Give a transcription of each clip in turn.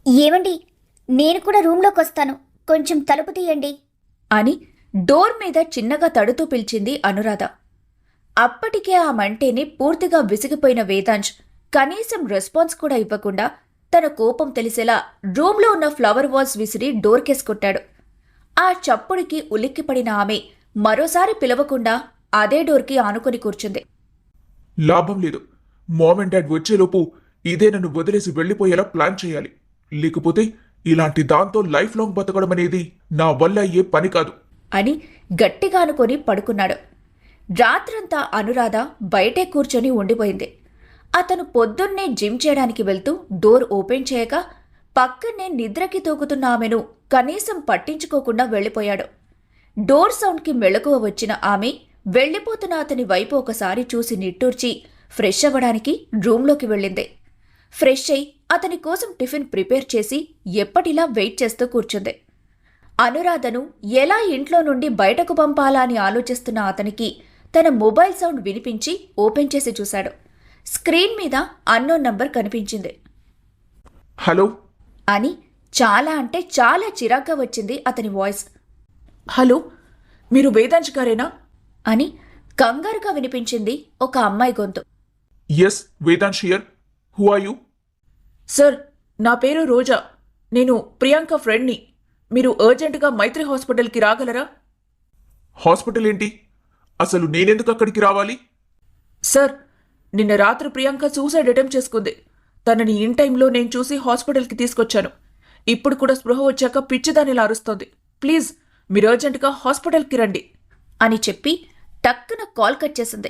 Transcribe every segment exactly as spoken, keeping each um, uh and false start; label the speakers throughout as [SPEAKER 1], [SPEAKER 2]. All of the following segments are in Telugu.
[SPEAKER 1] ఏవండి, నేను కూడా రూంలోకి వస్తాను, కొంచెం తలుపు తీయండి
[SPEAKER 2] అని డోర్ మీద చిన్నగా తడుతూ పిలిచింది అనురాధ. అప్పటికే ఆ మంటేని పూర్తిగా విసిగిపోయిన వేదాంశ్ కనీసం రెస్పాన్స్ కూడా ఇవ్వకుండా తన కోపం తెలిసేలా రూంలో ఉన్న ఫ్లవర్ వాజ్ విసిరి డోర్కేసి కొట్టాడు. ఆ చప్పుడికి ఉలిక్కిపడిన ఆమె మరోసారి పిలవకుండా అదే డోర్కి ఆనుకొని కూర్చుంది.
[SPEAKER 3] లాభం లేదు. మామ్ అండ్ డాడ్ వచ్చేలోపు ఇదే నన్ను వదిలేసి వెళ్లిపోయేలా ప్లాన్ చేయాలి. లేకపోతే ఇలాంటి దాంతో లైఫ్ లాంగ్ బతకడం అనేది నా వల్ల అయ్యే పని కాదు
[SPEAKER 2] అని గట్టిగా అనుకొని పడుకున్నాడు. రాత్రంతా అనురాధ బయటే కూర్చొని ఉండిపోయింది. అతను పొద్దున్నే జిమ్ చేయడానికి వెళ్తూ డోర్ ఓపెన్ చేయక పక్కనే నిద్రకి తూగుతున్న ఆమెను కనీసం పట్టించుకోకుండా వెళ్లిపోయాడు. డోర్ సౌండ్కి మెలకువ వచ్చిన ఆమె వెళ్లిపోతున్న అతని వైపు ఒకసారి చూసి నిట్టూర్చి ఫ్రెష్ అవ్వడానికి రూంలోకి వెళ్ళింది. ఫ్రెష్ అయి అతని కోసం టిఫిన్ ప్రిపేర్ చేసి ఎప్పటిలా వెయిట్ చేస్తూ కూర్చుంది. అనురాధను ఎలా ఇంట్లో నుండి బయటకు పంపాలా అని ఆలోచిస్తున్న అతనికి తన మొబైల్ సౌండ్ వినిపించి ఓపెన్ చేసి చూశాడు. స్క్రీన్ మీద అన్నోన్ నంబర్ కనిపించింది.
[SPEAKER 3] హలో
[SPEAKER 2] అని చాలా అంటే చాలా చిరాగ్గా వచ్చింది అతని వాయిస్.
[SPEAKER 4] హలో, మీరు వేదాంశ్ గారేనా
[SPEAKER 2] అని కంగారుగా వినిపించింది ఒక అమ్మాయి గొంతు.
[SPEAKER 3] Yes, Vedansh here. Who are you?
[SPEAKER 4] Sir, నా పేరు రోజా. నేను ప్రియాంక ఫ్రెండ్ని. మీరు అర్జెంటుగా మైత్రి హాస్పిటల్కి రాగలరా?
[SPEAKER 3] హాస్పిటల్ ఏంటి? అసలు నేనెందుకు అక్కడికి రావాలి?
[SPEAKER 4] సార్, నిన్న రాత్రి ప్రియాంక సూసైడ్ అటెంప్ట్ చేసుకుంది. తనని ఇన్ టైంలో నేను చూసి హాస్పిటల్కి తీసుకొచ్చాను. ఇప్పుడు కూడా స్పృహ వచ్చాక పిచ్చిదానిలా అరుస్తోంది. ప్లీజ్ మీరు అర్జెంటుగా హాస్పిటల్కి రండి
[SPEAKER 2] అని చెప్పి టక్కున కాల్ కట్ చేసింది.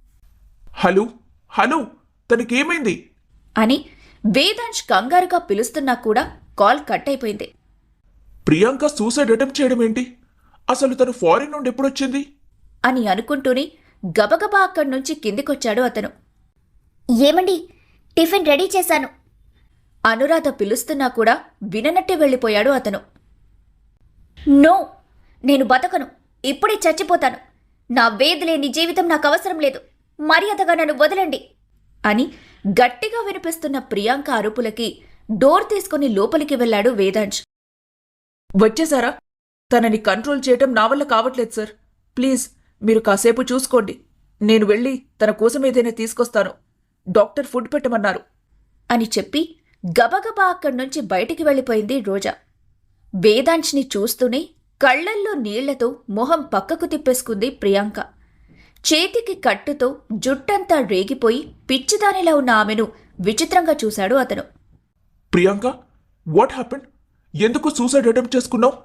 [SPEAKER 3] హలో హలో, తనకేమైంది
[SPEAKER 2] అని వేదాంశ్ కంగారుగా పిలుస్తున్నా కూడా కాల్ కట్ అయిపోయింది.
[SPEAKER 3] ప్రియాంక సూసైడ్ అటెంప్ట్ చేయడం ఏంటి? అసలు తను ఫారిన్ నుండి ఎప్పుడొచ్చింది
[SPEAKER 2] అని అనుకుంటూనే గబగబా అక్కడి నుంచి కిందికొచ్చాడు అతను.
[SPEAKER 1] ఏమండి, టిఫిన్ రెడీ చేశాను.
[SPEAKER 2] అనురాధ పిలుస్తున్నా కూడా విననట్టే వెళ్ళిపోయాడు అతను.
[SPEAKER 1] నో, నేను బతకను, ఇప్పుడే చచ్చిపోతాను. నా వేది లేని జీవితం నాకు అవసరం లేదు. మర్యాదగా నన్ను వదలండి
[SPEAKER 2] అని గట్టిగా వినిపిస్తున్న ప్రియాంక అరుపులకి డోర్ తీసుకుని లోపలికి వెళ్లాడు వేదాంశ్.
[SPEAKER 4] వచ్చేసారా? తనని కంట్రోల్ చేయటం నా వల్ల కావట్లేదు సార్. ప్లీజ్ మీరు కాసేపు చూసుకోండి. నేను వెళ్ళి తన కోసం ఏదైనా తీసుకొస్తాను. డాక్టర్ ఫుడ్ పెట్టమన్నారు
[SPEAKER 2] అని చెప్పి గబగబా అక్కడి నుంచి బయటికి వెళ్ళిపోయింది రోజా. వేదాంశ్ని చూస్తూనే కళ్లల్లో నీళ్లతో మొహం పక్కకు తిప్పేసుకుంది ప్రియాంక. చేతికి కట్టుతో జుట్టంతా రేగిపోయి పిచ్చిదానిలా ఉన్న ఆమెను విచిత్రంగా చూశాడు అతను.
[SPEAKER 3] Priyanka, what happened? ఎందుకు సూసైడ్ అటెంప్ట్ చేసుకున్నావు?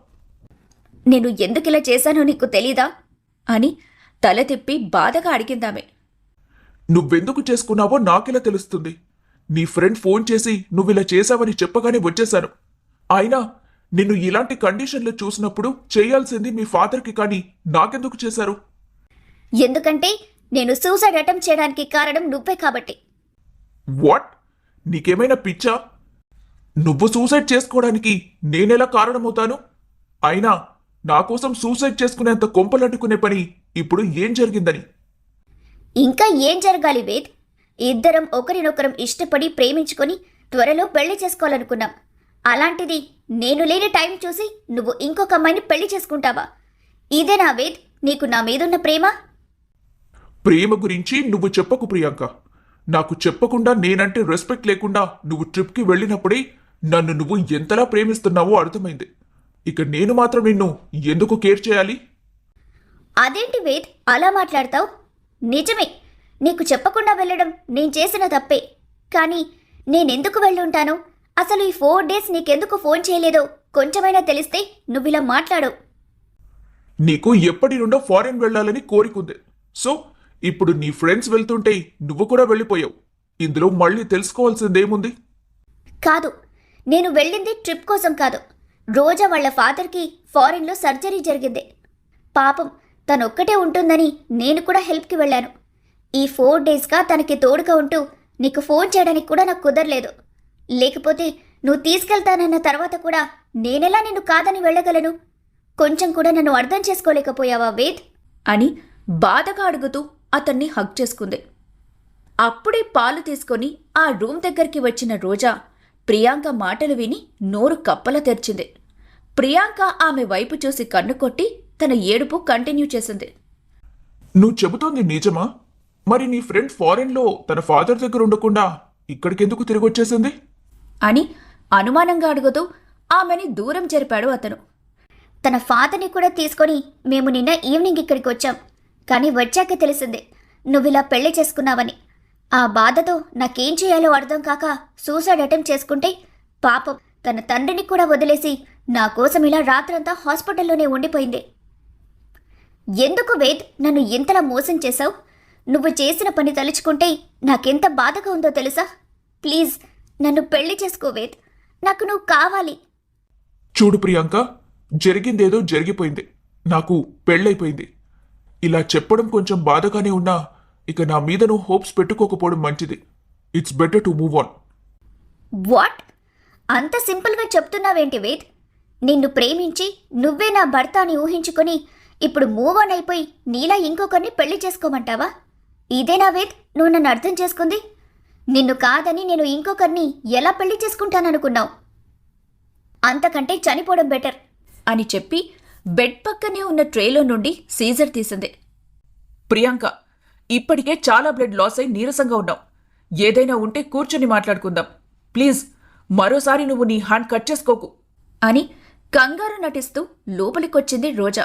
[SPEAKER 1] నేను ఎందుకిలా చేశానో నీకు తెలీదా
[SPEAKER 2] అని తల తిప్పి బాధగా అడిగిందామె.
[SPEAKER 3] నువ్వెందుకు చేసుకున్నావో నాకెలా తెలుస్తుంది? నీ ఫ్రెండ్ ఫోన్ చేసి నువ్విలా చేశావని చెప్పగానే వచ్చేశాను. అయినా నిన్ను ఇలాంటి కండిషన్లో చూసినప్పుడు చేయాల్సింది మీ ఫాదర్కి, కానీ నాకెందుకు చేశారు?
[SPEAKER 1] ఎందుకంటే నేను సూసైడ్ అటెంప్ట్ చేయడానికి కారణం నువ్వే కాబట్టి.
[SPEAKER 3] వాట్? నీకేమైనా పిచ్చా? నువ్వు సూసైడ్ చేసుకోవడానికి నేనెలా కారణమవుతాను? అయినా నా కోసం సూసైడ్ చేసుకునేంత కొంపలట్టుకునే పని ఇప్పుడు ఏం జరిగిందని?
[SPEAKER 1] ఇంకా ఏం జరగాలి వేద్? ఇద్దరం ఒకరినొకరం ఇష్టపడి ప్రేమించుకొని త్వరలో పెళ్లి చేసుకోవాలనుకున్నాం. అలాంటిది నేను లేని టైం చూసి నువ్వు ఇంకొక అమ్మాయిని పెళ్లి చేసుకుంటావా? ఇదేనా వేద్ నీకు నా మీదున్న ప్రేమ?
[SPEAKER 3] ప్రేమ గురించి నువ్వు చెప్పకు ప్రియాంక. నాకు చెప్పకుండా నేనంటే రెస్పెక్ట్ లేకుండా నువ్వు ట్రిప్కి వెళ్ళినప్పుడే నన్ను నువ్వు ఎంతలా ప్రేమిస్తున్నావో అర్థమైంది. ఇక నేను మాత్రం నిన్ను ఎందుకు కేర్ చేయాలి?
[SPEAKER 1] అదేంటి వేద్ అలా మాట్లాడతావు? నిజమే, నీకు చెప్పకుండా వెళ్ళడం నేను చేసిన తప్పే. కానీ నేనెందుకు వెళ్ళుంటాను? అసలు ఈ ఫోర్ డేస్ నీకెందుకు ఫోన్ చేయలేదో కొంచెమైనా తెలిస్తే నువ్విలా మాట్లాడవు.
[SPEAKER 3] నీకు ఎప్పటి నుండో ఫారెన్ వెళ్ళాలని కోరికుంది. సో ఇప్పుడు నీ ఫ్రెండ్స్ వెళ్తుంటే నువ్వు కూడా వెళ్ళిపోయావు. ఇందులో మళ్ళీ తెలుసుకోవాల్సిందేముంది?
[SPEAKER 1] కాదు, నేను వెళ్ళింది ట్రిప్ కోసం కాదు. రోజా వాళ్ళ ఫాదర్కి ఫారిన్లో సర్జరీ జరిగింది. పాపం తనొక్కటే ఉంటుందని నేను కూడా హెల్ప్కి వెళ్ళాను. ఈ ఫోర్ డేస్గా తనకి తోడుగా ఉంటూ నీకు ఫోన్ చేయడానికి కూడా నాకు కుదరలేదు. లేకపోతే నువ్వు తీసుకెళ్తానన్న తర్వాత కూడా నేనెలా నిన్ను కాదని వెళ్ళగలను? కొంచెం కూడా నన్ను అర్థం చేసుకోలేకపోయావా వేద్
[SPEAKER 2] అని బాధగా అడుగుతూ అతన్ని హగ్ చేసుకుంది. అప్పుడే పాలు తీసుకొని ఆ రూమ్ దగ్గరికి వచ్చిన రోజా ప్రియాంక మాటలు విని నోరు కప్పల తెరిచింది. ప్రియాంక ఆమె వైపు చూసి కన్ను కొట్టి తన ఏడుపు కంటిన్యూ చేసింది.
[SPEAKER 3] నువ్వు చెబుతోంది నిజమా? మరి నీ ఫ్రెండ్ ఫారెన్లో తన ఫాదర్ దగ్గర ఉండకుండా ఇక్కడికెందుకు తిరిగి వచ్చేసింది
[SPEAKER 2] అని అనుమానంగా అడుగుతూ ఆమెని దూరం జరిపాడు అతను.
[SPEAKER 1] తన ఫాదర్ని కూడా తీసుకొని మేము నిన్న ఈవినింగ్ ఇక్కడికి వచ్చాం. కానీ వచ్చాక తెలిసింది నువ్విలా పెళ్లి చేసుకున్నావని. ఆ బాధతో నాకేం చేయాలో అర్థం కాక సూసైడ్ అటెంప్ట్ చేసుకుంటే పాపం తన తండ్రిని కూడా వదిలేసి నా కోసం ఇలా రాత్రంతా హాస్పిటల్లోనే ఉండిపోయింది. ఎందుకు వేద్ నన్ను ఇంతలా మోసం చేశావు? నువ్వు చేసిన పని తలుచుకుంటే నాకెంత బాధగా ఉందో తెలుసా? ప్లీజ్ నన్ను పెళ్లి చేసుకో వేద్, నాకు నువ్వు కావాలి.
[SPEAKER 3] చూడు ప్రియాంక, జరిగిందేదో జరిగిపోయింది. నాకు పెళ్ళైపోయింది. ఇలా చెప్పడం కొంచెం బాధగానే ఉన్నా ఇక నా మీద నువ్వు హోప్స్ పెట్టుకోకపోవడం మంచిది. It's better to move on.
[SPEAKER 1] What? అంత సింపుల్గా చెప్తున్నావేంటి వేద్? నిన్ను ప్రేమించి నువ్వే నా భర్త అని ఊహించుకొని ఇప్పుడు మూవ్ ఆన్ అయిపోయి నీలా ఇంకొకరిని పెళ్లి చేసుకోమంటావా? ఇదేనా వేద్ నువ్వు నన్ను అర్థం చేసుకుంది? నిన్ను కాదని నేను ఇంకొకరిని ఎలా పెళ్లి చేసుకుంటాననుకున్నావు? అంతకంటే చనిపోవడం బెటర్
[SPEAKER 2] అని చెప్పి బెడ్ పక్కనే ఉన్న ట్రేలో నుండి సీజర్ తీసింది.
[SPEAKER 4] ప్రియాంక, ఇప్పటికే చాలా బ్లడ్ లాస్ అయి నీరసంగా ఉన్నావు. ఏదైనా ఉంటే కూర్చొని మాట్లాడుకుందాం. ప్లీజ్ మరోసారి నువ్వు నీ హ్యాండ్ కట్ చేసుకోకు
[SPEAKER 2] అని కంగారు నటిస్తూ లోపలికొచ్చింది రోజా.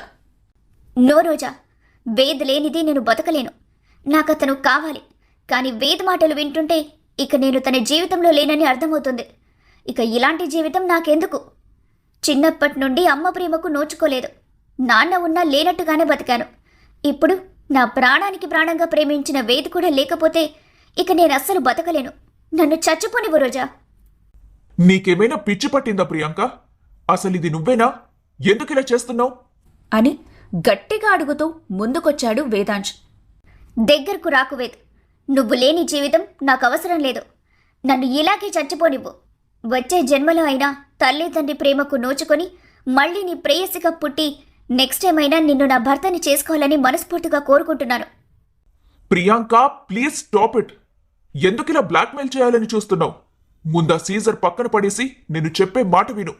[SPEAKER 1] నో రోజా, వేద్ లేనిది నేను బతకలేను. నాకతను కావాలి. కానీ వేద్ మాటలు వింటుంటే ఇక నేను తన జీవితంలో లేనని అర్థమవుతుంది. ఇక ఇలాంటి జీవితం నాకెందుకు? చిన్నప్పటి నుండి అమ్మ ప్రేమకు నోచుకోలేదు. నాన్న ఉన్నా లేనట్టుగానే బతికాను. ఇప్పుడు నా ప్రాణానికి ప్రాణంగా ప్రేమించిన వేద్ కూడా లేకపోతే ఇక నేను అస్సలు బతకలేను. నన్ను చచ్చిపోనివ్వు రోజా.
[SPEAKER 3] నీకేమైనా పిచ్చి పట్టిందా ప్రియాంక? అసలు ఇది నువ్వేనా? ఎందుకు ఇలా చేస్తున్నావు
[SPEAKER 2] అని గట్టిగా అడుగుతూ ముందుకొచ్చాడు వేదాంశ్.
[SPEAKER 1] దగ్గరకు రాకు వేద్. నువ్వు లేని జీవితం నాకు అవసరం లేదు. నన్ను ఇలాగే చచ్చిపోనివ్వు. వచ్చే జన్మలో అయినా తల్లి తండ్రి ప్రేమకు నోచుకొని మళ్ళీ నీ ప్రేయసిగా పుట్టి నెక్స్ట్ టైం అయినా నిన్ను నా భర్తని చేసుకోవాలని మనస్ఫూర్తిగా కోరుకుంటున్నాను.
[SPEAKER 3] Priyanka, please stop it. ఎందుకు ఇలా బ్లాక్మెయిల్ చేయాలని చూస్తున్నావు? ముందా సీజర్ పక్కన పడేసి నేను చెప్పే మాట విను.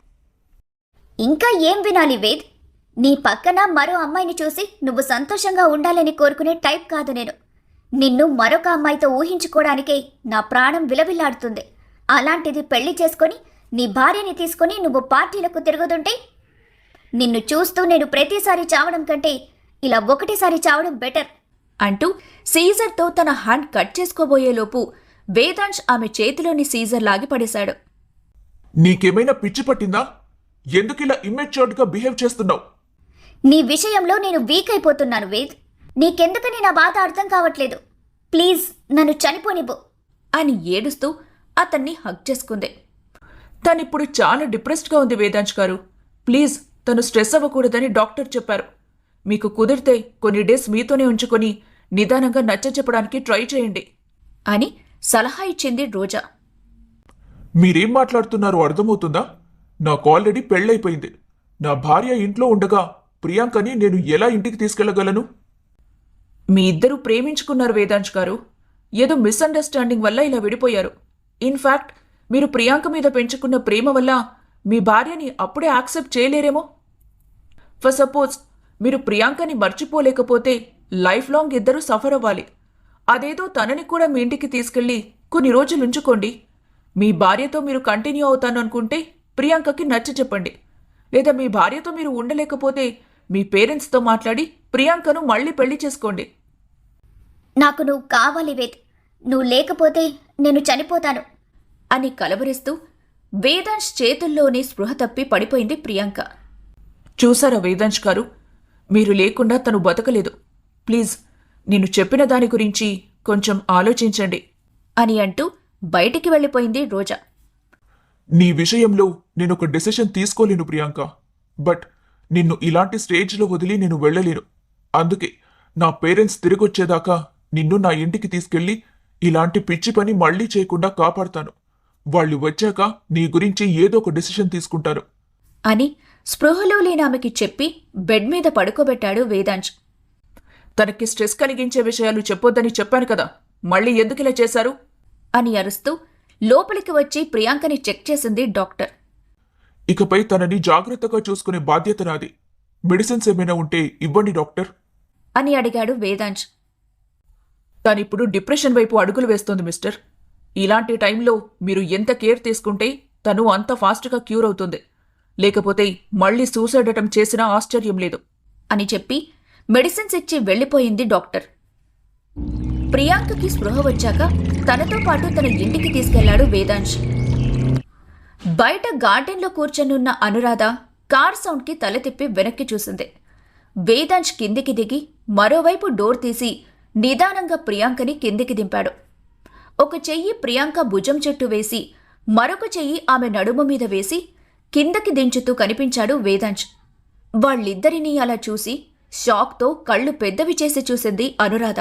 [SPEAKER 1] ఇంకా ఏం వినాలి వేద్? నీ పక్కన మరో అమ్మాయిని చూసి నువ్వు సంతోషంగా ఉండాలని కోరుకునే టైప్ కాదు నేను. నిన్ను మరొక అమ్మాయితో ఊహించుకోవడానికే నా ప్రాణం విలవిల్లాడుతుంది. అలాంటిది పెళ్లి చేసుకొని నీ భార్యని తీసుకొని నువ్వు పార్టీలకు తిరుగుతుంటే నిన్ను చూస్తూ నేను ప్రతిసారి చావడం కంటే ఇలా ఒకటిసారి చావడం బెటర్
[SPEAKER 2] అంటూ సీజర్తో తన హ్యాండ్ కట్ చేసుకోబోయేలోపు వేదాంశ్ ఆమె చేతిలోని సీజర్ లాగి పడేశాడు.
[SPEAKER 3] నీకేమైనా పిచ్చి పట్టిందా? ఎందుకు ఇలా ఇమ్మెచ్యూర్డ్గా బిహేవ్ చేస్తున్నావు?
[SPEAKER 1] నీ విషయంలో నేను వీక్ అయిపోతున్నాను వేద్. నీకెందుకని నా బాధ అర్థం కావట్లేదు. ప్లీజ్ నన్ను చనిపోనివ్వు
[SPEAKER 2] అని ఏడుస్తూ అతన్ని హగ్ చేసుకుంది.
[SPEAKER 4] తనిప్పుడు చాలా డిప్రెస్డ్గా ఉంది వేదాంశ్ గారు. ప్లీజ్ తను స్ట్రెస్ అవ్వకూడదని డాక్టర్ చెప్పారు. మీకు కుదిరితే కొన్ని డేస్ మీతోనే ఉంచుకొని నిదానంగా నచ్చ చెప్పడానికి ట్రై చేయండి
[SPEAKER 2] అని సలహా ఇచ్చింది రోజా.
[SPEAKER 3] మీరేం మాట్లాడుతున్నారో అర్థమవుతుందా? నాకు ఆల్రెడీ పెళ్ళైపోయింది. నా భార్య ఇంట్లో ఉండగా ప్రియాంకని నేను ఎలా ఇంటికి తీసుకెళ్లగలను?
[SPEAKER 4] మీ ఇద్దరూ ప్రేమించుకున్నారు వేదాంశ్ గారు. ఏదో మిస్అండర్స్టాండింగ్ వల్ల ఇలా విడిపోయారు. ఇన్ఫ్యాక్ట్ మీరు ప్రియాంక మీద పెంచుకున్న ప్రేమ వల్ల మీ భార్యని అప్పుడే యాక్సెప్ట్ చేయలేరేమో. ఫర్ సపోజ్ మీరు ప్రియాంకని మర్చిపోలేకపోతే లైఫ్ లాంగ్ ఇద్దరూ సఫర్ అవ్వాలి. అదేదో తనని కూడా మీ ఇంటికి తీసుకెళ్లి కొన్ని రోజులు ఉంచుకోండి. మీ భార్యతో మీరు కంటిన్యూ అవుతాను అనుకుంటే ప్రియాంకకి నచ్చ చెప్పండి. లేదా మీ భార్యతో మీరు ఉండలేకపోతే మీ పేరెంట్స్తో మాట్లాడి ప్రియాంకను మళ్ళీ పెళ్లి చేసుకోండి.
[SPEAKER 1] నాకు నువ్వు కావాలి వేద్. నువ్వు లేకపోతే నేను చనిపోతాను
[SPEAKER 2] అని కలవరిస్తూ వేదాంశ్ చేతుల్లోనే స్పృహ తప్పి పడిపోయింది ప్రియాంక.
[SPEAKER 4] చూసారా వేదాంశ్ గారు, మీరు లేకుండా తను బతకలేదు. ప్లీజ్ నేను చెప్పిన దాని గురించి కొంచెం ఆలోచించండి
[SPEAKER 2] అని అంటూ బయటికి వెళ్ళిపోయింది రోజా.
[SPEAKER 3] నీ విషయంలో నేను ఒక డెసిషన్ తీసుకోలేను ప్రియాంక. బట్ నిన్ను ఇలాంటి స్టేజ్లో వదిలి నేను వెళ్ళలేను. అందుకే నా పేరెంట్స్ తిరిగొచ్చేదాకా నిన్ను నా ఇంటికి తీసుకెళ్లి ఇలాంటి పిచ్చి పని మళ్లీ చేయకుండా కాపాడతాను. వాళ్ళు వచ్చాక నీ గురించి ఏదో ఒక డెసిషన్ తీసుకుంటాను
[SPEAKER 2] అని స్పృహలో లేనామెకి చెప్పి బెడ్ మీద పడుకోబెట్టాడు వేదాంశ్.
[SPEAKER 4] తనకి స్ట్రెస్ కలిగించే విషయాలు చెప్పొద్దని చెప్పాను కదా, మళ్ళీ ఎందుకు ఇలా చేశారు
[SPEAKER 2] అని అరుస్తూ లోపలికి వచ్చి ప్రియాంకని చెక్ చేసింది డాక్టర్.
[SPEAKER 3] ఇకపై తనని జాగ్రత్తగా చూసుకునే బాధ్యత నాది. మెడిసిన్స్ ఏమైనా ఉంటే ఇవ్వండి డాక్టర్
[SPEAKER 2] అని అడిగాడు వేదాంశ్.
[SPEAKER 4] తనిప్పుడు డిప్రెషన్ వైపు అడుగులు వేస్తోంది మిస్టర్. ఇలాంటి టైంలో మీరు ఎంత కేర్ తీసుకుంటే తను అంత ఫాస్ట్గా క్యూర్ అవుతుంది. లేకపోతే మళ్ళీ సూసైడ్ అటెంప్ట్ చేసినా ఆశ్చర్యం లేదు
[SPEAKER 2] అని చెప్పి మెడిసిన్స్ ఇచ్చి వెళ్ళిపోయింది డాక్టర్. ప్రియాంకకి స్పృహ వచ్చాక తనతో పాటు తన ఇంటికి తీసుకెళ్లాడు వేదాంశ్. బయట గార్డెన్లో కూర్చొనున్న అనురాధ కార్ సౌండ్కి తల తిప్పి వెనక్కి చూసింది. వేదాంశ్ కిందికి దిగి మరోవైపు డోర్ తీసి నిదానంగా ప్రియాంకని కిందికి దింపాడు. ఒక చెయ్యి ప్రియాంక భుజం చుట్టూ వేసి మరొక చెయ్యి ఆమె నడుము మీద వేసి కిందకి దించుతూ కనిపించాడు వేదాంశ్. వాళ్ళిద్దరినీ అలా చూసి షాక్తో కళ్ళు పెద్దవి చేసి చూసింది అనురాధ.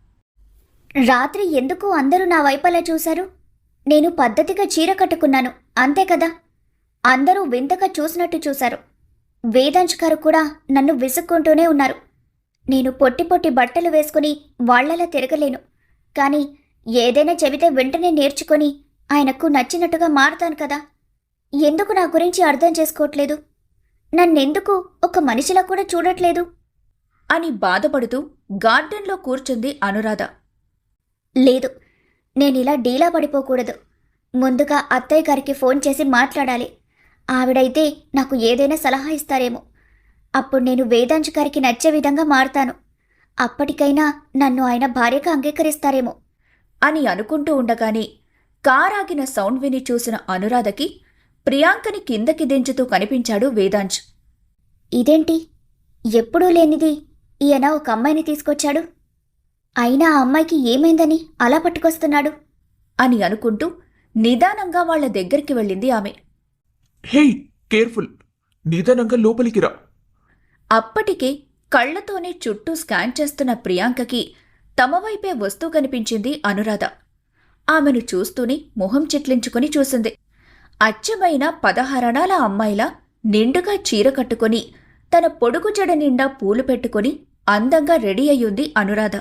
[SPEAKER 1] రాత్రి ఎందుకు అందరూ నా వైపు అలా చూశారు? నేను పద్ధతిగా చీర కట్టుకున్నాను, అంతే కదా. అందరూ వింతగా చూసినట్టు చూశారు. వేదాంశ్ గారు కూడా నన్ను విసుక్కుంటూనే ఉన్నారు. నేను పొట్టి పొట్టి బట్టలు వేసుకుని వాళ్లలా తిరగలేను, కానీ ఏదైనా చెబితే వెంటనే నేర్చుకొని ఆయనకు నచ్చినట్టుగా మారుతాను కదా. ఎందుకు నా గురించి అర్థం చేసుకోవట్లేదు? నన్నెందుకు ఒక మనిషిలా కూడా చూడట్లేదు
[SPEAKER 2] అని బాధపడుతూ గార్డెన్లో కూర్చుంది అనురాధ.
[SPEAKER 1] లేదు, నేనిలా డీలా పడిపోకూడదు. ముందుగా అత్తయ్య గారికి ఫోన్ చేసి మాట్లాడాలి. ఆవిడైతే నాకు ఏదైనా సలహా ఇస్తారేమో. అప్పుడు నేను వేదాంశ్ గారికి నచ్చే విధంగా మారుతాను. అప్పటికైనా నన్ను ఆయన భార్యగా అంగీకరిస్తారేమో
[SPEAKER 2] అని అనుకుంటూ ఉండగానే కారాగిన సౌండ్ విని చూసిన అనురాధకి ప్రియాంకని కిందకి దించుతూ కనిపించాడు వేదాంశ్.
[SPEAKER 1] ఇదేంటి, ఎప్పుడూ లేనిది ఈయన ఒక అమ్మాయిని తీసుకొచ్చాడు? అయినా ఆ అమ్మాయికి ఏమైందని అలా పట్టుకొస్తున్నాడు
[SPEAKER 2] అని అనుకుంటూ నిదానంగా వాళ్ల దగ్గరికి వెళ్ళింది ఆమె.
[SPEAKER 3] హే, కేర్ఫుల్, నిదానంగా లోపలికి రా.
[SPEAKER 2] అప్పటికే కళ్లతోనే చుట్టూ స్కాన్ చేస్తున్న ప్రియాంకకి తమ వైపే వస్తూ కనిపించింది అనురాధ. ఆమెను చూస్తూనే మొహం చిట్లించుకుని చూసింది. అచ్చమైన పదహారణాల అమ్మాయిలా నిండుగా చీర కట్టుకుని తన పొడుగు జడ నిండా పూలు పెట్టుకుని అందంగా రెడీ అయ్యుంది అనురాధ.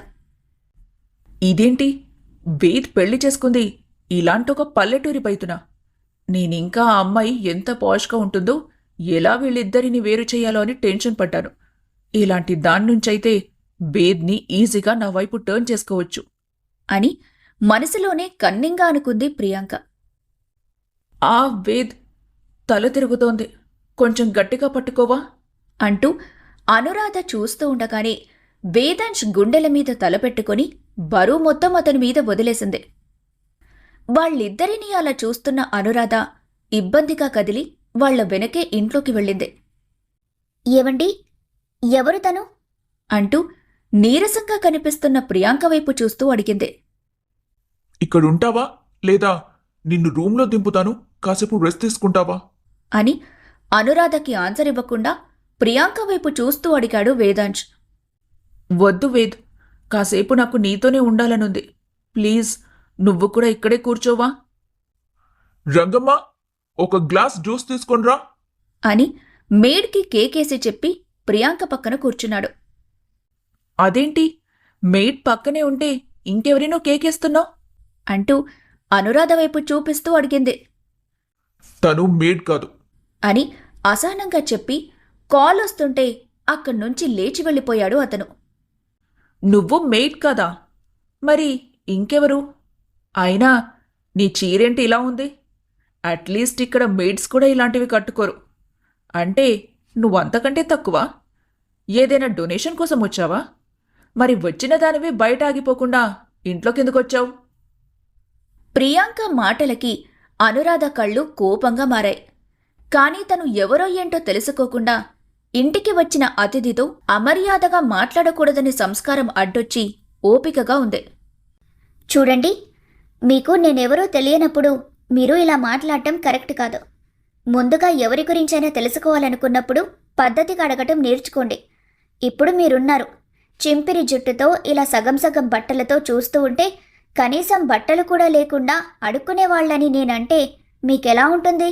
[SPEAKER 4] ఇదేంటి, వేద్ పెళ్లి చేసుకుంది ఇలాంటొక పల్లెటూరి బయతునా? నేనింకా ఆ అమ్మాయి ఎంత పాష్గా ఉంటుందో, ఎలా వీళ్ళిద్దరిని వేరు చేయాలో అని టెన్షన్ పడ్డాను. ఇలాంటి దాన్నుంచైతే వేద్ని ఈజీగా నా వైపు టర్న్ చేసుకోవచ్చు
[SPEAKER 2] అని మనసులోనే కన్నింగా అనుకుంది ప్రియాంక.
[SPEAKER 4] ఆ వేద్, తల తిరుగుతోంది, కొంచెం గట్టిగా పట్టుకోవా
[SPEAKER 2] అంటూ అనురాధ చూస్తూ ఉండగానే వేదాంశ్ గుండెల మీద తలపెట్టుకుని బరువు మొత్తం అతని మీద వదిలేసింది. వాళ్ళిద్దరినీ అలా చూస్తున్న అనురాధ ఇబ్బందిగా కదిలి వాళ్ల వెనకే ఇంట్లోకి వెళ్ళింది.
[SPEAKER 1] ఏవండి, ఎవరు తను
[SPEAKER 2] అంటూ నీరసంగా కనిపిస్తున్న ప్రియాంక వైపు చూస్తూ అడిగింది.
[SPEAKER 3] ఇక్కడుంటావా లేదా నిన్ను రూమ్లో దింపుతాను, కాసేపు రెస్ట్ తీసుకుంటావా
[SPEAKER 2] అని అనురాధకి ఆన్సర్ ఇవ్వకుండా ప్రియాంక వైపు చూస్తూ అడిగాడు వేదాంశ్.
[SPEAKER 4] వద్దు వేద్, కాసేపు నాకు నీతోనే ఉండాలనుంది. ప్లీజ్ నువ్వు కూడా ఇక్కడే కూర్చోవా.
[SPEAKER 3] రంగమ్మ, ఒక గ్లాస్ జ్యూస్ తీసుకొనిరా
[SPEAKER 2] అని మేడ్కి కేకేసి చెప్పి ప్రియాంక పక్కన కూర్చున్నాడు.
[SPEAKER 4] అదేంటి, మెయిడ్ పక్కనే ఉంటే ఇంకెవరినో కేకేస్తున్నావు
[SPEAKER 2] అంటూ అనురాధ వైపు చూపిస్తూ అడిగింది.
[SPEAKER 3] తను మేడ్ కాదు
[SPEAKER 2] అని అసహనంగా చెప్పి కాల్ వస్తుంటే అక్కడ్నుంచి లేచి వెళ్ళిపోయాడు అతను.
[SPEAKER 4] నువ్వు మెయిడ్ కదా, మరి ఇంకెవరు? అయినా నీ చీరేంటి ఇలా ఉంది? అట్లీస్ట్ ఇక్కడ మెయిడ్స్ కూడా ఇలాంటివి కట్టుకోరు. అంటే నువ్వంతకంటే తక్కువ? ఏదైనా డొనేషన్ కోసం వచ్చావా? మరి వచ్చిన దానివి బయట ఆగిపోకుండా ఇంట్లోకెందుకొచ్చావు?
[SPEAKER 2] ప్రియాంక మాటలకి అనురాధ కళ్ళు కోపంగా మారాయి. కాని తను ఎవరో ఏంటో తెలుసుకోకుండా ఇంటికి వచ్చిన అతిథితో అమర్యాదగా మాట్లాడకూడదని సంస్కారం అడ్డొచ్చి ఓపికగా ఉంది.
[SPEAKER 1] చూడండి, మీకు నేనెవరో తెలియనప్పుడు మీరు ఇలా మాట్లాడటం కరెక్ట్ కాదు. ముందుగా ఎవరి గురించైనా తెలుసుకోవాలనుకున్నప్పుడు పద్ధతిగా అడగటం నేర్చుకోండి. ఇప్పుడు మీరున్నారు, చింపిరి జుట్టుతో ఇలా సగం సగం బట్టలతో చూస్తూ ఉంటే కనీసం బట్టలు కూడా లేకుండా అడుక్కునేవాళ్ళని నేనంటే మీకెలా ఉంటుంది?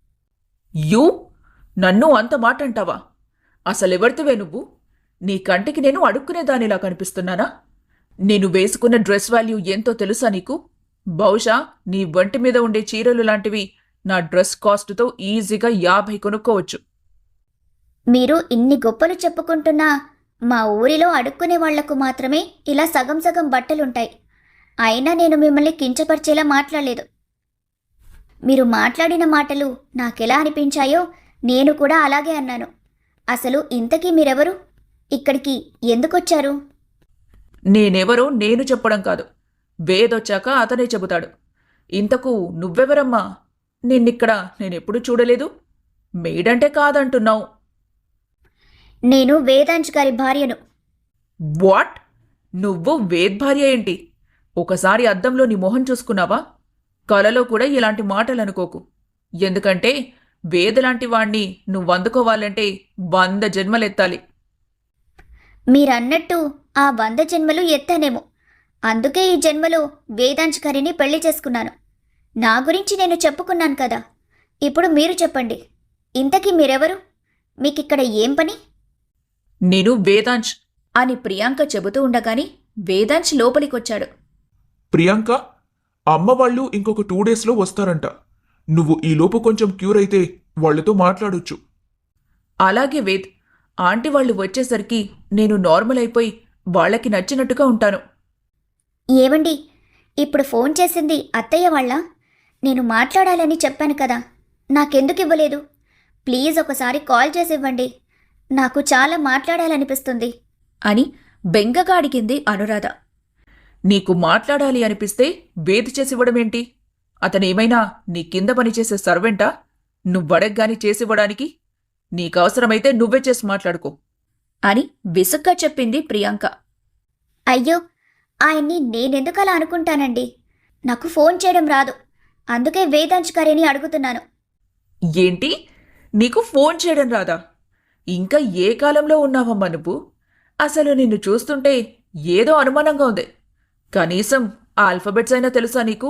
[SPEAKER 4] యూ, నన్ను అంత మాట అంటావా? అసలెవరితివే నువ్వు? నీ కంటికి నేను అడుక్కునేదానిలా కనిపిస్తున్నానా? నేను వేసుకున్న డ్రెస్ వాల్యూ ఎంతో తెలుసా నీకు? బహుశా నీ వంటి మీద ఉండే చీరలు లాంటివి నా డ్రెస్ కాస్ట్తో ఈజీగా యాభై కొనుక్కోవచ్చు.
[SPEAKER 1] మీరు ఇన్ని గొప్పలు చెప్పుకుంటున్నా మా ఊరిలో అడుక్కునే వాళ్లకు మాత్రమే ఇలా సగం సగం బట్టలుంటాయి. అయినా నేను మిమ్మల్ని కించపరిచేలా మాట్లాడలేదు. మీరు మాట్లాడిన మాటలు నాకెలా అనిపించాయో నేను కూడా అలాగే అన్నాను. అసలు ఇంతకీ మీరెవరు? ఇక్కడికి ఎందుకొచ్చారు?
[SPEAKER 4] నేనెవరో నేను చెప్పడం కాదు, వేదొచ్చాక అతనే చెబుతాడు. ఇంతకు నువ్వెవరమ్మా? నిన్నిక్కడ నేనెప్పుడు చూడలేదు. మేడంటే కాదంటున్నావు.
[SPEAKER 1] నేను వేదాంశ్ గారి భార్యను.
[SPEAKER 4] వాట్? నువ్వు వేద్ భార్య ఏంటి? ఒకసారి అద్దంలో నీ మొహం చూసుకున్నావా? కలలో కూడా ఇలాంటి మాటలు అనుకోకు. ఎందుకంటే వేదలాంటి వాణ్ణి నువ్వందుకోవాలంటే వంద జన్మలెత్తాలి.
[SPEAKER 1] మీరన్నట్టు ఆ వంద జన్మలు ఎత్తానేమో. అందుకే ఈ జన్మలో వేదాంశ్ గారిని పెళ్లి చేసుకున్నాను. నా గురించి నేను చెప్పుకున్నాను కదా. ఇప్పుడు మీరు చెప్పండి, ఇంతకీ మీరెవరు? మీకిక్కడ ఏం పని?
[SPEAKER 4] నేను వేదాంశ్
[SPEAKER 2] అని ప్రియాంక చెబుతూ ఉండగాని వేదాంశ్ లోపలికొచ్చాడు.
[SPEAKER 3] ప్రియాంక, అమ్మ వాళ్ళు ఇంకొక టూ డేస్లో వస్తారంట. నువ్వు ఈలోపు కొంచెం క్యూర్ అయితే వాళ్లతో మాట్లాడొచ్చు.
[SPEAKER 4] అలాగే వేద్, ఆంటీ వాళ్ళు వచ్చేసరికి నేను నార్మల్ అయిపోయి వాళ్ళకి నచ్చినట్టుగా ఉంటాను.
[SPEAKER 1] ఏవండి, ఇప్పుడు ఫోన్ చేసింది అత్తయ్య వాళ్ళ? నేను మాట్లాడాలని చెప్పాను కదా, నాకెందుకు ఇవ్వలేదు? ప్లీజ్ ఒకసారి కాల్ చేసి ఇవ్వండి. నాకు చాలా మాట్లాడాలనిపిస్తుంది
[SPEAKER 2] అని బెంగగా అడిగింది అనురాధ.
[SPEAKER 4] నీకు మాట్లాడాలి అనిపిస్తే వేద్ చేసివ్వడమేంటి? అతనేమైనా నీ కింద పనిచేసే సర్వెంటా? నువ్వడగ్గాని చేసివ్వడానికి? నీకవసరమైతే నువ్వే చేసి మాట్లాడుకో
[SPEAKER 2] అని విసుగ్గా చెప్పింది ప్రియాంక.
[SPEAKER 1] అయ్యో, ఆయన్ని నేనెందుకలా అనుకుంటానండి? నాకు ఫోన్ చేయడం రాదు. అందుకే వేదాంశ్ గారిని అడుగుతున్నాను.
[SPEAKER 4] ఏంటి? నీకు ఫోన్ చేయడం రాదా? ఇంకా ఏ కాలంలో ఉన్నావమ్మా నువ్వు? అసలు నిన్ను చూస్తుంటే ఏదో అనుమానంగా ఉంది. కనీసం ఆ ఆల్ఫబెట్స్ అయినా తెలుసా నీకు?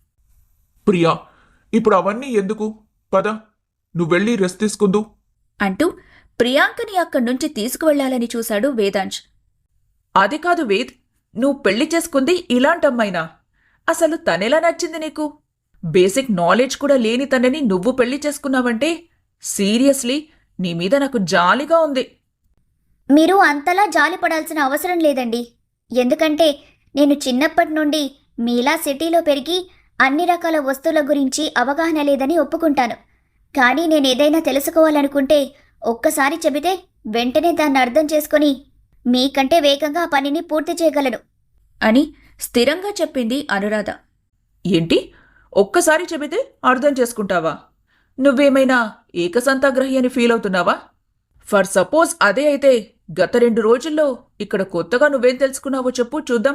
[SPEAKER 3] ప్రియా, ఇప్పుడు అవన్నీ ఎందుకు? పద, నువ్వెళ్ళి రెస్ట్ తీసుకుందు
[SPEAKER 2] అంటూ ప్రియాంకని అక్కడ్నుంచి తీసుకువెళ్లాలని చూశాడు వేదాంశ్.
[SPEAKER 4] అది కాదు వేద్, నువ్వు పెళ్లి చేసుకుంది ఇలాంటమ్మాయినా? అసలు తనెలా నచ్చింది నీకు? బేసిక్ నాలెడ్జ్ కూడా లేని తనని నువ్వు పెళ్లి చేసుకున్నావంటే సీరియస్లీ నీ మీద నాకు జాలిగా ఉంది.
[SPEAKER 1] మీరు అంతలా జాలి పడాల్సిన అవసరం లేదండి. ఎందుకంటే నేను చిన్నప్పటి నుండి మీలా సిటీలో పెరిగి అన్ని రకాల వస్తువుల గురించి అవగాహన లేదని ఒప్పుకుంటాను. కానీ నేను ఏదైనా తెలుసుకోవాలనుకుంటే ఒక్కసారి చెబితే వెంటనే దాన్ని అర్థం చేసుకొని మీకంటే వేగంగా ఆ పనిని పూర్తి చేయగలను
[SPEAKER 2] అని స్థిరంగా చెప్పింది అనురాధ.
[SPEAKER 4] ఏంటి? ఒక్కసారి చెబితే అర్థం చేసుకుంటావా? నువ్వేమైనా ఏకసంతాగ్రహి అని ఫీల్ అవుతున్నావా? ఫర్ సపోజ్ అదే అయితే గత రెండు రోజుల్లో ఇక్కడ కొత్తగా నువ్వేం తెలుసుకున్నావో చెప్పు చూద్దాం.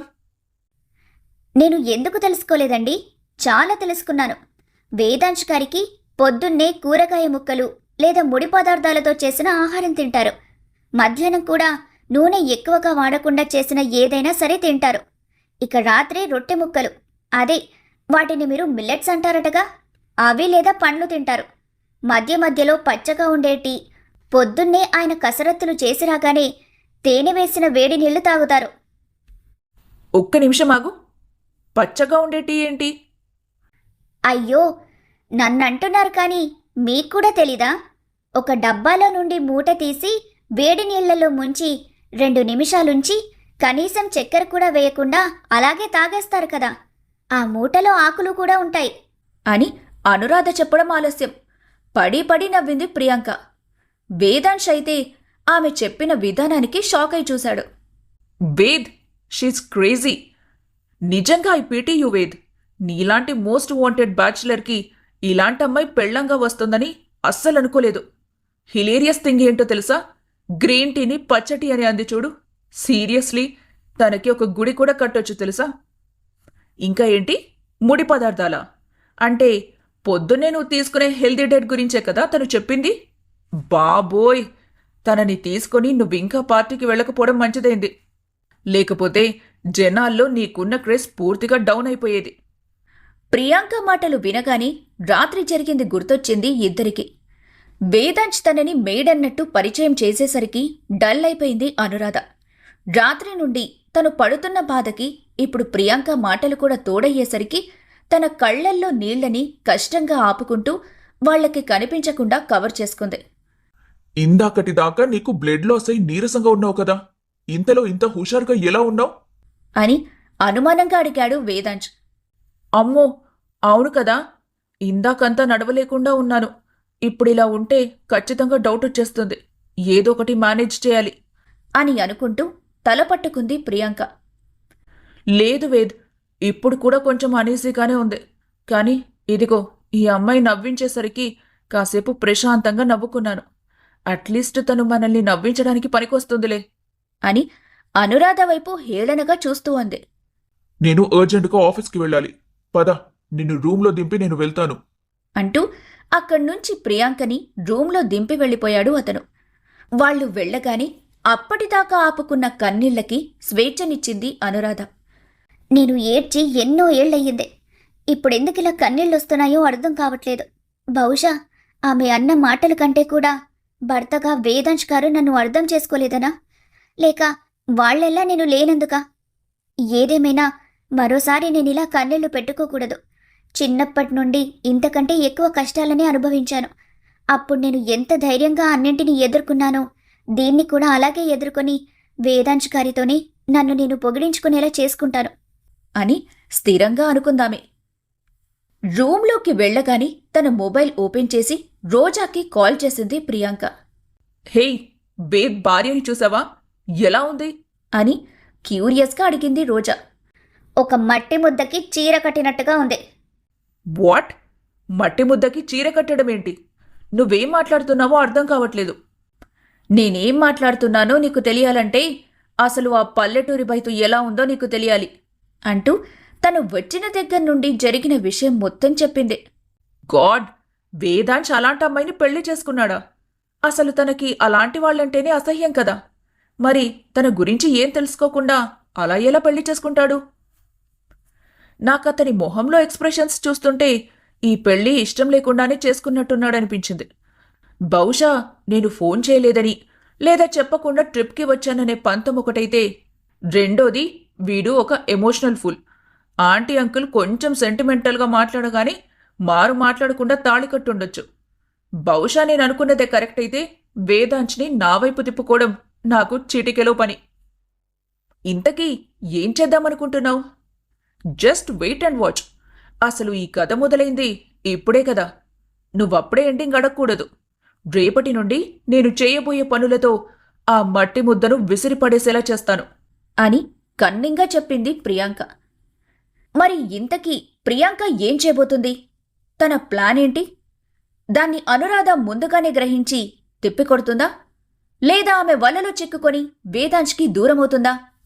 [SPEAKER 1] నేను ఎందుకు తెలుసుకోలేదండి? చాలా తెలుసుకున్నాను. వేదాంశ్ గారికి పొద్దున్నే కూరగాయ ముక్కలు లేదా ముడి పదార్థాలతో చేసిన ఆహారం తింటారు. మధ్యాహ్నం కూడా నూనె ఎక్కువగా వాడకుండా చేసిన ఏదైనా సరే తింటారు. ఇక రాత్రి రొట్టె ముక్కలు, అదే వాటిని మీరు మిల్లెట్స్ అంటారటగా, అవి లేదా పండ్లు తింటారు. మధ్య మధ్యలో పచ్చగా ఉండేటి. పొద్దున్నే ఆయన కసరత్తులు చేసి రాగానే తేనె వేసిన వేడి నీళ్లు తాగుతారు.
[SPEAKER 4] ఒక్క నిమిషం ఆగు. పచ్చగా ఉండేటి ఏంటి?
[SPEAKER 1] అయ్యో, నన్నంటున్నారు కానీ మీకు కూడా తెలీదా? ఒక డబ్బాలో నుండి మూట తీసి వేడి నీళ్లలో ముంచి రెండు నిమిషాలుంచి కనీసం చక్కెర కూడా వేయకుండా అలాగే తాగేస్తారు కదా. ఆ మూటలో ఆకులు కూడా ఉంటాయి
[SPEAKER 2] అని అనురాధ చెప్పడం ఆలస్యం. పడి పడి నవ్వింది ప్రియాంక. వేదాంశ్ అయితే ఆమె చెప్పిన విధానానికి షాక్ అయి చూశాడు.
[SPEAKER 4] Ved, she's crazy. నిజంగా ఐ పీటీ యు వేద్. నీలాంటి మోస్ట్ వాంటెడ్ బ్యాచులర్కి ఇలాంటి అమ్మాయి పెళ్లంగా వస్తుందని అస్సలు అనుకోలేదు. హిలేరియస్ థింగ్ ఏంటో తెలుసా? గ్రీన్ టీని పచ్చటి అని అంది చూడు. సీరియస్లీ తనకి ఒక గుడి కూడా కట్టొచ్చు తెలుసా? ఇంకా ఏంటి? ముడి పదార్థాలా? అంటే పొద్దున్నే నువ్వు తీసుకునే హెల్దీ డైట్ గురించే కదా తను చెప్పింది? బాబోయ్, తనని తీసుకొని నువ్వింకా పార్టీకి వెళ్ళకపోవడం మంచిదైంది. లేకపోతే జనాల్లో నీకున్న క్రేజ్ పూర్తిగా డౌన్ అయిపోయేది.
[SPEAKER 2] ప్రియాంక మాటలు వినగానే రాత్రి జరిగింది గుర్తొచ్చింది ఇద్దరికి. వేదాంశ్ తనని మేడన్నట్టు పరిచయం చేసేసరికి డల్ అయిపోయింది అనురాధ. రాత్రి నుండి తను పడుతున్న బాధకి ఇప్పుడు ప్రియాంక మాటలు కూడా తోడయ్యేసరికి తన కళ్లల్లో నీళ్లని కష్టంగా ఆపుకుంటూ వాళ్లకి కనిపించకుండా కవర్ చేసుకుంది.
[SPEAKER 3] ఇందాకటి దాకా నీకు బ్లడ్ లాస్ అయి నీరసంగా ఉన్నావు కదా, ఇంతలో ఇంత హుషారుగా ఎలా ఉన్నావు?
[SPEAKER 2] అని అనుమానంగా అడిగాడు వేదాంశ్.
[SPEAKER 4] అమ్మో, అవును కదా, ఇందాకంతా నడవలేకుండా ఉన్నాను. ఇప్పుడిలా ఉంటే ఖచ్చితంగా డౌట్ వచ్చేస్తుంది. ఏదో ఒకటి మేనేజ్ చేయాలి
[SPEAKER 2] అని అనుకుంటూ తల పట్టుకుంది ప్రియాంక.
[SPEAKER 4] లేదు వేద్, ఇప్పుడు కూడా కొంచెం అనీజీగానే ఉంది. కానీ ఇదిగో ఈ అమ్మాయి నవ్వించేసరికి కాసేపు ప్రశాంతంగా నవ్వుకున్నాను. అట్లీస్ట్ తను మనల్ని నవ్వించడానికి పనికొస్తుందిలే
[SPEAKER 2] అని అనురాధ వైపు హేళనగా చూస్తూ అంది.
[SPEAKER 3] నేను అర్జెంటుగా ఆఫీస్కి వెళ్ళాలి, పద, నిన్ను రూమ్లో దింపి నేను వెళ్తాను
[SPEAKER 2] అంటూ అక్కడ్నుంచి ప్రియాంకని రూంలో దింపి వెళ్ళిపోయాడు అతను. వాళ్లు వెళ్ళగానే అప్పటిదాకా ఆపుకున్న కన్నీళ్లకి స్వేచ్ఛనిచ్చింది అనురాధ.
[SPEAKER 1] నేను ఏడ్చి ఎన్నో ఏళ్లయ్యింది. ఇప్పుడెందుకిలా కన్నీళ్ళొస్తున్నాయో అర్థం కావట్లేదు. బహుశా ఆమె అన్న మాటల కంటే కూడా భర్తగా వేదాంశ్ గారు నన్ను అర్థం చేసుకోలేదనా, లేక వాళ్ళెల్లా నేను లేనందుకా? ఏదేమైనా మరోసారి నేనిలా కన్నీళ్లు పెట్టుకోకూడదు. చిన్నప్పటి నుండి ఇంతకంటే ఎక్కువ కష్టాలనే అనుభవించాను. అప్పుడు నేను ఎంత ధైర్యంగా అన్నింటినీ ఎదుర్కొన్నానో దీన్ని కూడా అలాగే ఎదుర్కొని వేదాంశ్ గారితోనే నన్ను నేను పొగిడించుకునేలా చేసుకుంటాను
[SPEAKER 2] అని స్థిరంగా అనుకుందామే. రూంలోకి వెళ్ళగానే తన మొబైల్ ఓపెన్ చేసి రోజాకి కాల్ చేసింది ప్రియాంక.
[SPEAKER 4] హేయ్, వేద్ భార్యని చూసావా, ఎలా ఉంది
[SPEAKER 2] అని క్యూరియస్గా అడిగింది రోజా.
[SPEAKER 1] ఒక మట్టి ముద్దకి చీర కట్టినట్టుగా ఉంది.
[SPEAKER 4] వాట్? మట్టి ముద్దకి చీర కట్టడం ఏంటి? నువ్వేం మాట్లాడుతున్నావో అర్థం కావట్లేదు.
[SPEAKER 2] నేనేం మాట్లాడుతున్నానో నీకు తెలియాలంటే అసలు ఆ పల్లెటూరి బయట ఎలా ఉందో నీకు తెలియాలి అంటూ తను వచ్చిన దగ్గర నుండి జరిగిన విషయం మొత్తం చెప్పింది.
[SPEAKER 4] గాడ్, వేదాంశ్ అలాంటి అమ్మాయిని పెళ్లి చేసుకున్నాడా? అసలు తనకి అలాంటి వాళ్ళంటేనే అసహ్యం కదా. మరి తన గురించి ఏం తెలుసుకోకుండా అలా ఎలా పెళ్లి చేసుకుంటాడు? నాకతని మొహంలో ఎక్స్ప్రెషన్స్ చూస్తుంటే ఈ పెళ్లి ఇష్టం లేకుండానే చేసుకున్నట్టున్నాడనిపించింది. బహుశా నేను ఫోన్ చేయలేదని లేదా చెప్పకుండా ట్రిప్కి వచ్చాననే పంతం ఒకటైతే, రెండోది వీడు ఒక ఎమోషనల్ ఫుల్. ఆంటీ అంకుల్ కొంచెం సెంటిమెంటల్గా మాట్లాడగానే మారు మాట్లాడకుండా తాళి కట్టుండొచ్చు. బహుశా నేను అనుకున్నదే కరెక్ట్ అయితే వేదాంశ్ని నా వైపు తిప్పుకోవడం నాకు చీటికెలో పని. ఇంతకీ ఏం చేద్దామనుకుంటున్నావు? Just wait and watch. అసలు ఈ కథ మొదలైంది ఇప్పుడే కదా. నువ్వప్పుడే ఎండింగ్ అడగకూడదు. రేపటి నుండి నేను చేయబోయే పనులతో ఆ మట్టి ముద్దను విసిరిపడేసేలా చేస్తాను
[SPEAKER 2] అని కన్నింగా చెప్పింది ప్రియాంక. మరి ఇంతకీ ప్రియాంక ఏం చేయబోతుంది? తన ప్లాన్ ఏంటి? దాన్ని అనురాధ ముందుగానే గ్రహించి తిప్పికొడుతుందా, లేదా ఆమె వలలో చిక్కుకొని వేదాంశ్కి దూరమవుతుందా?